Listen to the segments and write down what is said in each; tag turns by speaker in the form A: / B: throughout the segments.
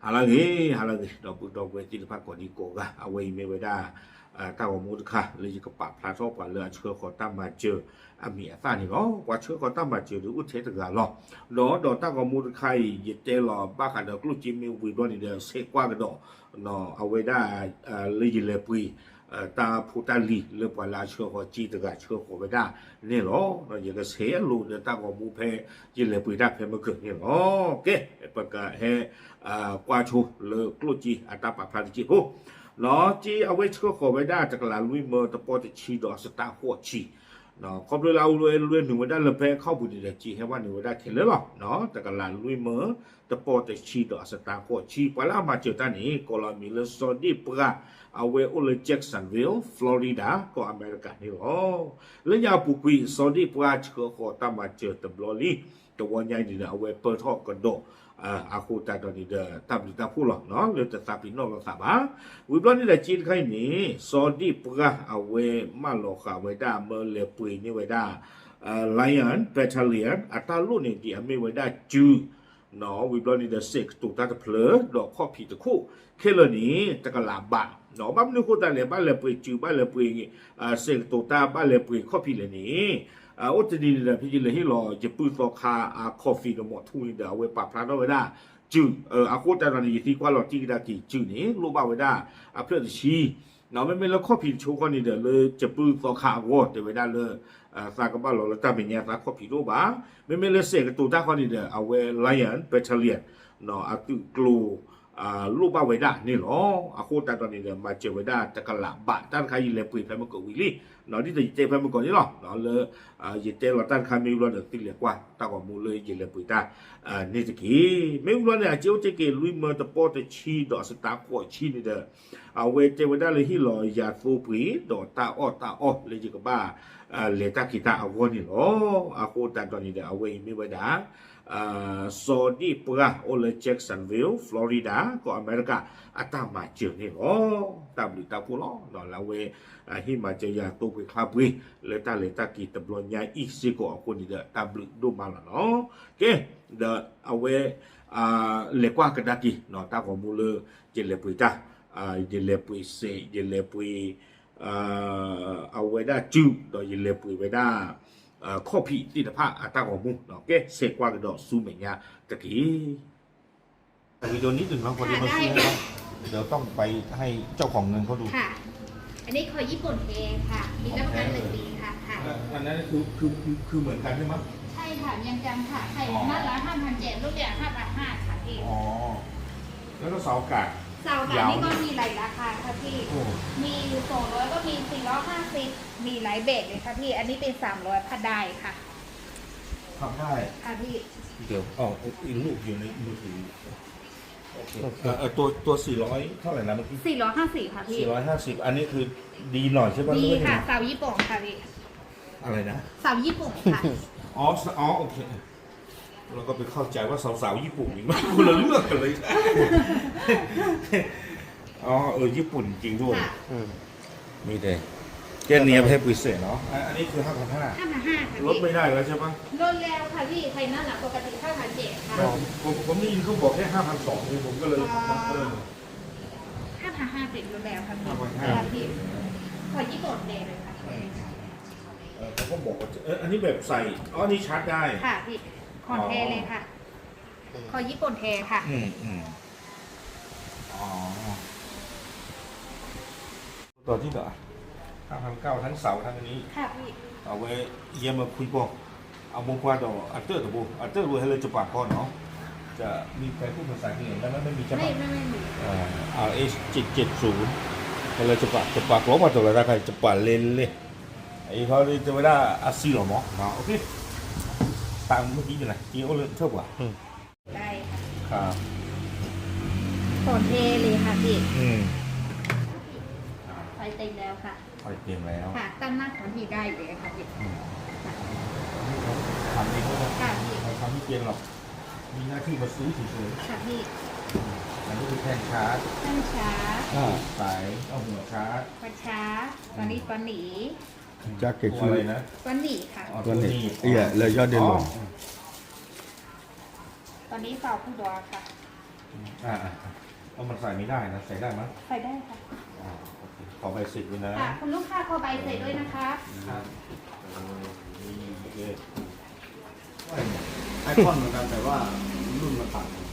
A: halagi dok we ti pa ko di ko ga awe me we da ta ko mu kha le ji ko pa pla so kwa le chhe ko ta ma je a mi a sa ni lo kwa chhe ko ta ma je du ut the ta ga lo do ta ko mu kha yi te lo ba kha do klu ji mi wi do ni de se kwa ga do no awe da le ji le pui ta pu ta li le pa la chhe ko ji ta ga chhe ko we da ni lo no ye ga se lu de ta ko mu phe ji le pui da phe ma ke ni lo ke pa ka he qua chu le klu ji a ta pa pla ji ho nó chỉ ở với chỗ khổ với đa chắc là lui mơ tập bò thì chỉ đó sẽ ta hoa chỉ nó không được lâu lui nửa với đa là về không bùn được chỉ hayว่าnửa với đa thì lớn lắm nó chắc là lui mơ tập bò thì chỉ đó sẽ ta hoa chỉ phải là mà chiều ta này có là mình là sau đi bữa ở với ở Jacksonville Florida có America này đó lấy nhà bùi quỷ sau đi bữa chỗ khổ ta mà chiều tập lò liตัววันใหญ่นี่เอาไว้เปิดห้องกันโดอาคูตาตอนนี้เด้อทำดีตาพูดหรอกเนาะเรื่องจะทำพี่น้องเราทราบวิบลนี่แหละจีนใครนี่ซอดีปะเอาไว้มาหลอกเอาไว้ได้เมื่อเลปุยนี่ไว้ได้ไลออนเปทเลียนอัตราลุ่นนี่ที่ไม่ไว้ได้จูเนาะวิบลนี่เด้อเซ็กตุกตาตะเพลอดอกข้อผิดตะคู่เคลนี้จะกระลาบะเนาะบ้านนึกคู่ตาเลยบ้านเลปุยจูบ้านเลปุยเซ็กตุกตาบ้านเลปุยข้อผิดเลยนี่อุตดีเลยพี่เลยให้รอจะปืนต่อคาคอฟฟี่กับหมอทุ่งเดี๋ยวไว้ปรับพลาดไว้ได้จืดอาโคตรตอนนี้ที่กว่าเราจีได้กี่จืดนี้รู้บ้าไว้ได้เพื่อจะชี้เนาะไม่แล้วข้อผิดโชว์คนนี้เดี๋ยวเลยจะปืนต่อคาวอดเดี๋ยวไว้ได้เลยสากบ้านเราแล้วจะเป็นยังไงข้อผิดรู้บ้าไม่เลยเสกตัวท่าคนนี้เดี๋ยวเอาไว้ไลออนเปทเลียนเนาะตุกลูลูกบ้าไว้ได้นี่หรออาโคตรตอนนี้เดี๋ยวมาเจอไว้ได้จะกระหล่ำบะด้านใครยิงเลยปืนไปมันก็วิลลี่เนาะที่จะเจอไปมันก่อนนี่หรอเนาะเลยยิงเจอเราด้านใครไม่รู้เดี๋ยวติดเหลือกว่าตากว่ามูเลยยิงเลยปืนได้นี่จะกี่ไม่รู้เนี่ยเจ้าจะกี่ลุยเมื่อตะโปตะชีดอกสตาร์กว่าชีนี่เด้อเอาไว้เจอไว้ได้เลยที่รอยาฟูปีดอกตาอ้อเลยจิกบ้าเลต้ากีตาเอาคนนี่หรออาโคตรตอนนี้เดี๋ยวเอาไว้ไม่ไว้ได้ซอดีปะโอเลแจ็กสันวิลฟลอริดาก็อเมริกาอาตามาเจอนี่หรอตามหรือตาพูดหรอเนาะแล้วเวที่มาเจอยาตัวไปคาบุยเลต้ากีตบลอนยาอีกสิก็เอาคนนี้เด้อตามหรือดูมาแล้วเนาะโอเคเด้อเอาเวเลกว่ากระดากีเนาะตาของมูเลเจเลปุยตาเจเลปุยเซเจเลปุยเอาไว้ได้จูโดยเจเลปุยไว้ได้ข้อผิดที่ตะพะตาของมุเนาะแกเสกว่ากันดอกซูเมียตะกี้วิดีโอนี้ถึงเราพอดีมาซื้อแล้วเดี๋ยวต้องไปให้เจ้าของเงินเขาดู
B: ค่ะอันนี้คอยญี่ปุ่นเองค่ะมีรับประกัน1 ปีค่ะ
A: อันนั้นคือเหมือนกันใช่ไหม
B: ใช่ค่ะยังจำค่ะไข่หน้าละ5,700ลูกเดียว5,500ค่ะพี่
A: อ๋อแล้วก็เสาอากาศ
B: เสาอากาศนี่ก็มีหลายราคาค่ะพี่มี200ก็มี450มีหลายเบสเลยค่ะพี่อันนี้เป็น300พัดได้ค่ะ
A: ทำได้
B: ค่ะพี่
A: เดี๋ยวอีกลูกอยู่ในมือถือตัว400เท่าไหร่นะเมื่อกี้
B: 450ค่ะพี่
A: 450อันนี้คือดีหน่อยใช่ป่ะ
B: ดีค่ะเสาญี่ปุ่นค่ะพี่
A: อะไรนะ
B: เสาญี่ปุ่นค่ะ
A: อ๋อโอเคเราก็ไปเข้าใจว่าสาวๆญี่ปุ่นนี่มันคนละเรื่องกันเลยอ๋อญี่ปุ่นจริงด้วยมีแต่เจนเนียให้พิเศษเนาะอันนี้คือ5,500
B: ค่ะ
A: ลดไม่ได้แล้วใช่ปะ
B: ลดแล้วค่ะพี่ไทยนั่นแหละปกติ5,700ค่ะ
A: ผมได้ยินเขาบอกแค่5,200เลยผมก็เลย
B: 5,500เป็นลดแล้วค่ะพี่ขอญี่ปุ่นเลยค่ะ
A: เขาก็บอกว่าอันนี้แบบใส่นี่ชาร์จได้
B: ค่ะพี่คอนเทเลยค่ะขอญี่ปุ่นเทค่ะ
A: ตัวที่เหลือ5,900ทั้งเสาทั้งนี้
B: ค่ะพี่
A: เอาไว้เยี่ยมมาคุยบอกเอาบุกว่าต่ออัตเตอร์ตัวบุอัตเตอร์รวยให้เลยจะปากก่อนเนาะจะมีใครพูดภาษาอังกฤษแล้วไม่มีใช่ไหม
B: ไม่มี
A: RH770ให้เลยจะปากล้อมาตัวละใครจะปากเล่นเลยไอ้เขาจะไม่ได้อาซีหรอหมอเนาะโอเคตามเมื่อกี้อยู่ไหนจีโอเลยเท่าไหร่
B: ได้
A: ค่ะครับ
B: คอนเทเลยค่ะพี่ไฟเต็มแล้วค่ะ
A: ไฟเต็มแล้ว
B: ค่ะตั้งหน้าของพี่ได้เลยค่ะพี่
A: ทำเองด้วย
B: ค่ะพี่
A: ทำไม่เก่งหรอกมีหน้าที่มาซื้อเฉย
B: ๆค่ะพี่
A: อันนี้คือแท่นชาร์จสายเอาหัวชาร์จ
B: ปัดชาร์จตอนนี้ปนหนี
A: จะเก็บอะไรนะ
B: ปนหนีค่ะ
A: ปนหนีเลยยอดเด่นลง
B: ตอนนี้เฝ้าผู้ดอค่ะ
A: เพราะมันใส่ไม่ได้นะใส่ได้ไหม
B: ใส่ได้ค่ะ
A: โอเคขอใบเสร็จด้วยนะ
B: ค่ะคุณลูกค้าขอใบเสร็จด้วยนะคะ
C: ครับ
A: โอเค
C: ไอคอนเหมือนกันแต่ว่ารุ่นมันต่างกัน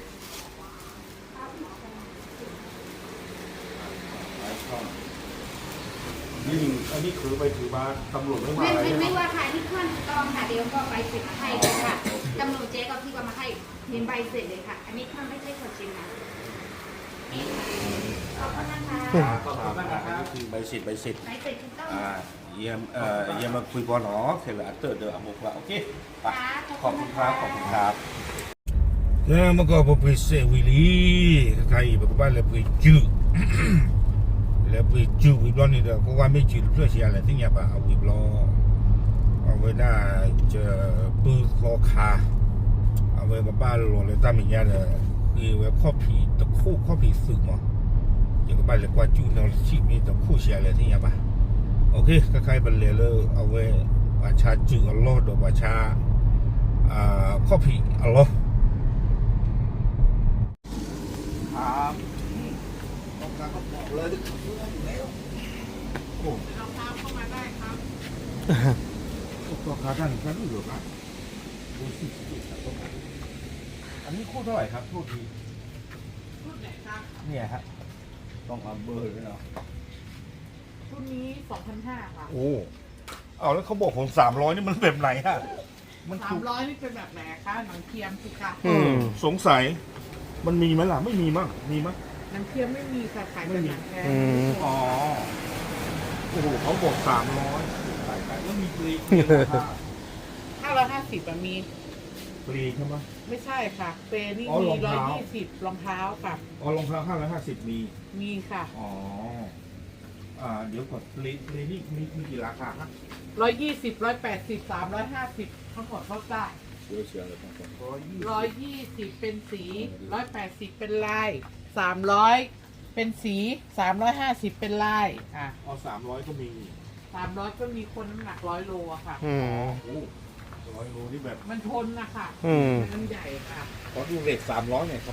C: ไอคอน
A: นี่อันนี้ถือไปถือมาตำรวจไม่มาอะไร
B: ไม่
A: ใช่ไหม
B: ว่าค่ะที่ขั้นตอนค่ะเดี๋ยวก็ใบเสร็จมาให้เลยค่ะตำรวจเจ๊ก็พี่ก็มาให้เห็นใบเสร็จเลยค่ะ อันนี้ขั้นไม่ใช่คนจริงนะนี่ค่ะขอบคุณนะคะ
C: ขอบคุณมากนะครับ
A: คือใบเสร็จ
B: ใบเสร็จถูกต้อง
A: เยี่ยมมาคุยบอลเนาะเคยอัตเตอร์เดอร์อมุกละโอเคขอบคุณครับเมื่อก่อนผมไปเซวิลีใครบอกว่าเลยไปจูเลยไปจูวิบล้อนี่เด้อก็ว่าไม่จูเพื่อเสียอะไรที่เนี่ยป่ะเอาวิบล้อเอาไว้หน้าจะปืนคอขาเอาไว้กับบ้านหลวงเลยตั้งอย่างเงี้ยเลยคือไว้ข้อผีตะคู่ข้อผีสึกมั้งอย่างกับบ้านเลยกว่าจูนอชีมีตะคู่เสียอะไรที่เนี่ยป่ะโอเคก็ใครเป็นเลยเลยเอาไว้ประชาจูอัลลอฮ์ดอกประชาข้อผีอัลลอฮ์ครับต้องการก็บอกเลยอยู่แล้วโอ้เราพาเข้ามาได้ครับก็ขาท่านรู้อยู่ครับดูสิอันนี้คู่เท่าไหร่ครับคู่ที
D: รุ่นไหนครับ
A: เนี่ยฮะต้องเอาเบอร์ด้วยเนาะ
D: รุ่นนี้ 2,500 ค่ะ
A: โอ้เอาแล้วเขาบอกผม300นี่มันแบบไหนฮะมันถูก
D: 300 นี่เป็นแบบไหนคะหนังเทียมสิคะ
A: สงสัยมันมีไหมล่ะไม่มีมั้งมีมั้ง
D: หนังเทียมไม่มีค่ะขายแต่หนังแท้
A: อ๋อโอ้โหเขาบอก300ใส่ไปแล้วมีปลี
D: 550มี
A: ปลีใช่ไหม
D: ไม่ใช่ค่ะเปรนี่
A: อ๋อ
D: มี
A: รองเท้า
D: 120รองเท้าค่ะ
A: อ๋อรองเท้า550มี
D: มีค่ะ
A: อ๋อเดี๋ยวก่อนปลีนี่มีกี่ราคาครับ
D: 120 180 350ทั้งหมดเขาได้
A: เดี๋ยวเชียร์เลยครับ
D: 120 เป็นสี 180 เป็นลาย 300 เป็นสี 350 เป็นลาย
A: อ๋อ300ก็มี
D: 300 ก็มีคนน้ำหนัก100 โลอะค่ะ
A: โอ้100 โลนี่แบบ
D: มันทนนะคะมันใหญ่ค่ะ
A: ขอดูเรท300หน่อยครับ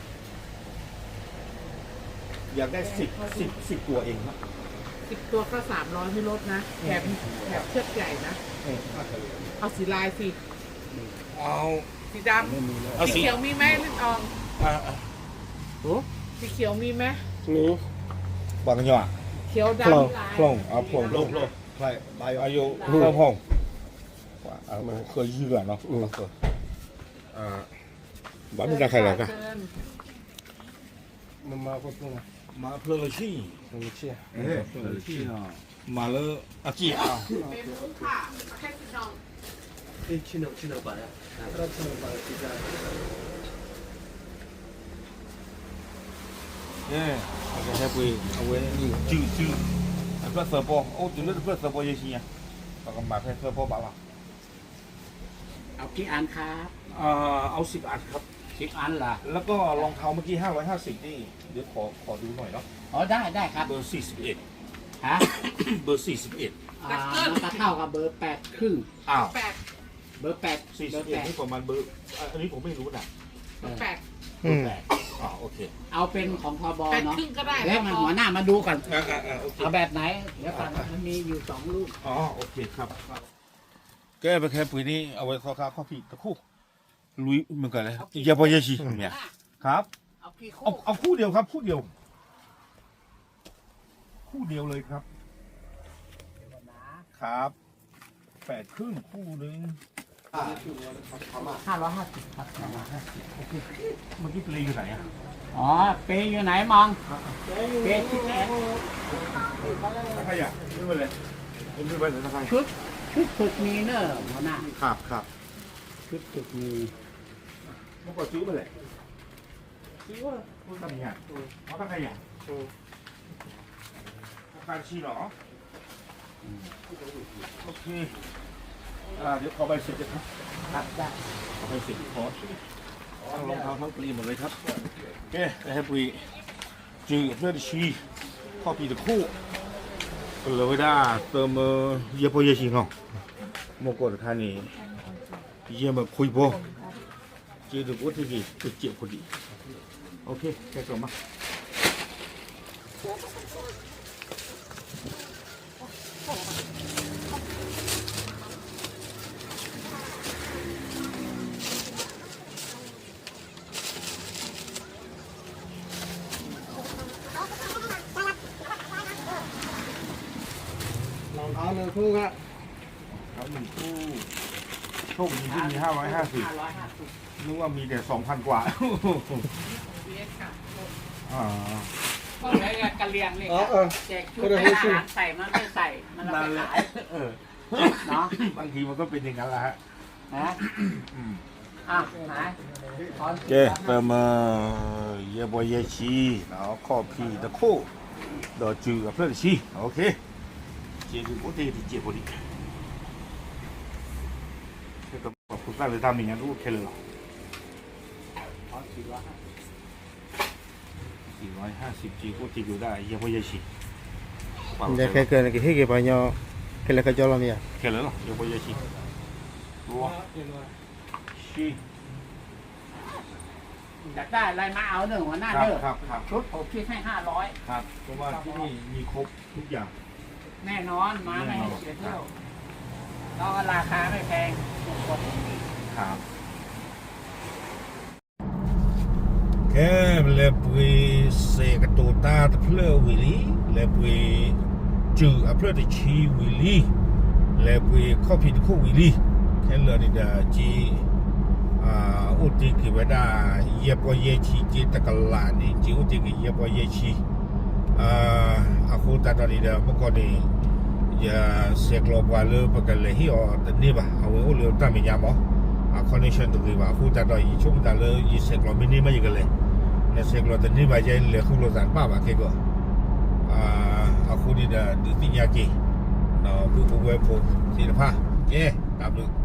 A: อยากได้10ตัวเองครับ
D: 10 ตัวก็300ไม่ลดนะแถมเชือกใหญ่นะ เอาสีลายสิ
A: เอา
D: สีดำสีเขียวมีไหมลินอองสีเขียวมีไหม
A: บางอย่าง
D: เขียวดำลาย
A: พลงเอาพลงลงใช่ใบอายุเพิ่มพงเคยยืดเนาะบ้านไม่ได้ใครหรอกอะ
D: เชิญ
C: มันมาก็ต้อง
A: มาเพลินชี่
C: มันเชี่ย
A: เอ๊ะมาเลยอาจีอ่ะ
D: เป็นลูกค่ะแค่สีดอง
C: ชิโนบะเนี่ยเราชิโนบะที่จะ
A: เนี่ยจะให้ไปเอาไว้จืดเพื่อเสิร์ฟโอ้จุดเลือดเพื่อเสิร์ฟเยอะชิอ่ะแล้วก็มาเพื่อเสิร์ฟบ้าละ
E: เอากี่อันครับ
A: เอา10 อันครับ
E: 10 อันล่ะ
A: แล้วก็รองเท้าเมื่อกี้550นี่เดี๋ยวขอดูหน่อยเนาะ
E: อ๋อได้ครับ
A: เบอร์41
E: ฮะ
A: เบอร์41
E: มันก็เท่ากับเบอร์ 8 ครึ่ง
A: อ้าว
E: เบอร์ 8 เบอร์
A: 41นี่ประมาณเบอร์อันนี้ผมไม่รู้นะ
D: แปด
A: เบอร์8โอเค
E: เอาเป็นของทบ
D: แปด
E: เนาะ
D: ครึ่งก็ได้
E: แล้วมันหัวหน้ามาดูก่อน
A: โอเค
E: เอาแบบไหน เดี๋ยวก่อนมันมีอยู่2 ลูก
A: อ๋อโอเคครับแก้ไปแค่ปุ๋ยนี้เอาไว้ข้าวผีตะคู่ลุยเหมือนกันเลยอย่าไปเยอะชิเนี่ยครับ
D: เอากี่
A: เอาคู่เดียวครับคู่เดียวเลยครับครับ8 ครึ่งคู่นึง
E: 550 ครับ
A: เมื่อกี้ปลีอยู่ไหนอ่ะ
E: อ๋อ เปย์อยู่ไหนมอง เปย์ที่ไหน
A: ใครอ่ะไม่เป็นไรไม่เป็นไรนะใคร
E: ชุดฝึกมีเนอะหัวหน้า
A: ครับ
E: ชุดฝึกมี
A: เมื่อก่อนซื้อไปเลยซื้อว่าคุณทำยังไงเขาทำไงอ่ะการชีหรอโอเคเดี๋ยวขอใบเสร็จจะครับ
E: ครับได้
A: ขอใบเสร็จขอทั้งรองเท้าทั้งปลีหมดเลยครับโอเคให้ปลีจืดเพื่อชีข้อปีตะคู่เลยได้เติมเยอะพอเยอะชิงอ่ะเมื่อก่อนท่านนี่เยี่ยมแบบคุยพอจืดดูว่าที่กี่จุดเจ็บพอดีโอเคแกก่อนมา
C: รองเท้า1 คู่ครับ
A: เอา1 คู่โชคดีที่มี550
E: 550
A: นึกว่ามีแต่2,000 กว่า
D: BS ค่ะ
A: อ่า
E: ก็เลยกระเลียงนี่
C: อ๋อ
E: แจกชุดให้ทหารใส่มันไม่ใส่มันเอาไปขาย
A: เออ
E: เนาะ
A: บางทีมันก็เป็นอย่างนั้นแหละฮะ
E: นะอ่ะหาย
A: โอเค那么也不也去然后靠皮的裤到酒啊不是去 OK 接着我得接过来这个不算是他明年都开了450结果这个的也不也去
C: จะแค่เกินกี่กี่ปัญญาแค่เล็กก็จอลมีอ่ะ
A: 开了也不也去哇去
E: อยากได้อะไรมาเอาหนึ่งหัวหน้า
A: ครั
E: เด้
A: บ
E: อ
A: ครับครับ
E: ชุดผมคิดให้500
A: ครับเพราะว่าที่นี่มีครบทุกอย่าง
E: แน่นอนมาไม่ให้เสียเที่ยวแล้วก็ราคาไม่แพงถูกกว่า
A: ครับแค่เล็บวีเสกตัวตาตะเพลวิลีเล็บวีจือเพลตชีวิลีเล็บวีข้อผิดคู่วิลีแค่เลยเดจีอุติกิเวดาเย็บว่าเยชีจีตะกลานี่จีอุติกิเย็บว่าเยชีอาคูตาตอนนี้เดเมื่อก่อนนี้จะเสกลบว่าเลยปกติที่อ๋อตอนนี้ป่ะเอาไว้โอเลี้ยวตั้งไม่ยามอ๋อconnection ตรงนี้ว่าคูตาตอนยี่ช่วงตาเลยยี่เสกลบมินิมาอีกเลยเนี่ยเสกลบตอนนี้ว่าจะเลยคู่รถสันป้าว่าแค่ก็อาคูนี่เดติญาจีเนาะผู้เว็บผู้ศิลปะเย้ตามดู